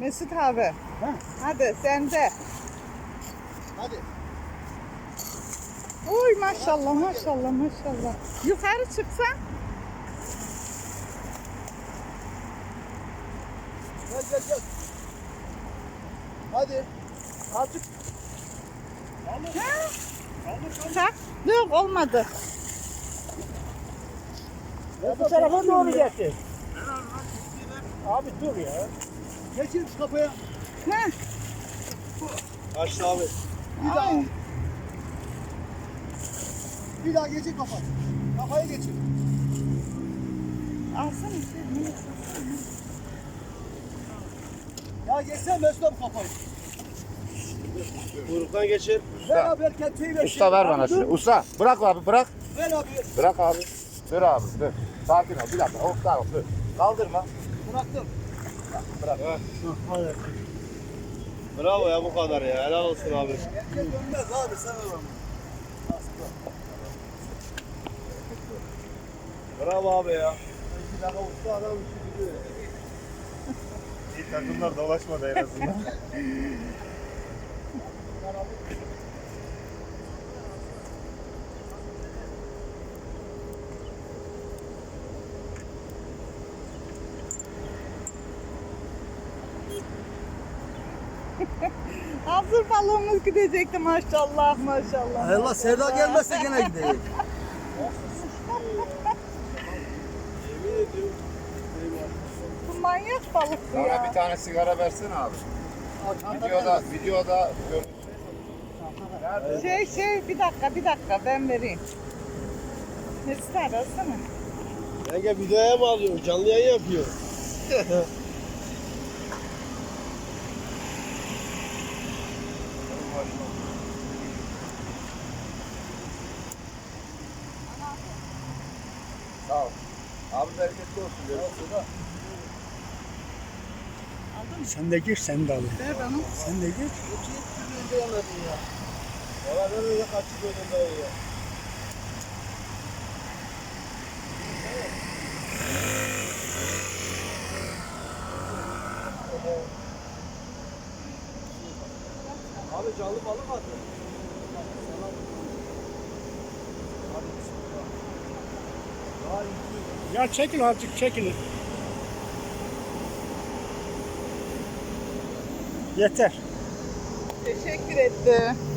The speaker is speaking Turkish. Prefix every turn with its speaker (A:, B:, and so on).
A: Mesut abi.
B: Ha?
A: Hadi sen de.
B: Hadi.
A: Oy maşallah maşallah maşallah. Yukarı çıksan.
B: Gel gel gel. Hadi. Artık.
A: Ha? Kalk. Yok olmadı.
B: Ya bu tarafa doğru getir. Abi dur ya. Geçin şu kapıya.
A: Ha?
B: Açtı abi. Bir daha.
A: Ay.
B: Bir daha geçin kafa. Kafayı geçin.
A: Alsana şey.
B: Ya geçsene Mesut abi kafayı.
C: Kuyruktan geçir.
B: Ver abi erkeği ver.
C: Usta ver
B: Abi
C: bana
B: dur.
C: şunu. Usta bırak abi bırak.
B: Ver abi.
C: Bırak abi. Dur abi dur. Sakin ol bir dakika. Hop tamam dur. Kaldırma.
B: Bıraktım.
C: Bırak.
B: Hadi.
C: Bravo ya bu kadar ya. Helal olsun abi.
B: Erkek dönmez abi sen ver onu.
C: Bravo abi ya.
B: Bir dakika usta adam işi biliyor.
C: İyi takımlar dolaşmadı en azından.
A: Hazır balonumuz gidecekti maşallah maşallah.
B: Allah Sevda gelmezse gene gidecek.
A: Bu manyak balık bu
C: Bana bir
A: ya.
C: tane sigara versene abi. Videoda görüntü.
A: Bir dakika ben vereyim. Mesut abi alsana.
C: Yenge videoya mı alıyor? Canlı yayın yapıyor. Sağ ol. Abi bereketli olsun. Görüşürüz.
B: Sen de gir sen de al.
A: Ver bana.
B: Sen de gir.
C: Valla ben öyle kaçık önünde ya. Abi canlı balık attı.
B: Ya çekil azıcık çekil. Yeter.
A: Teşekkür etti.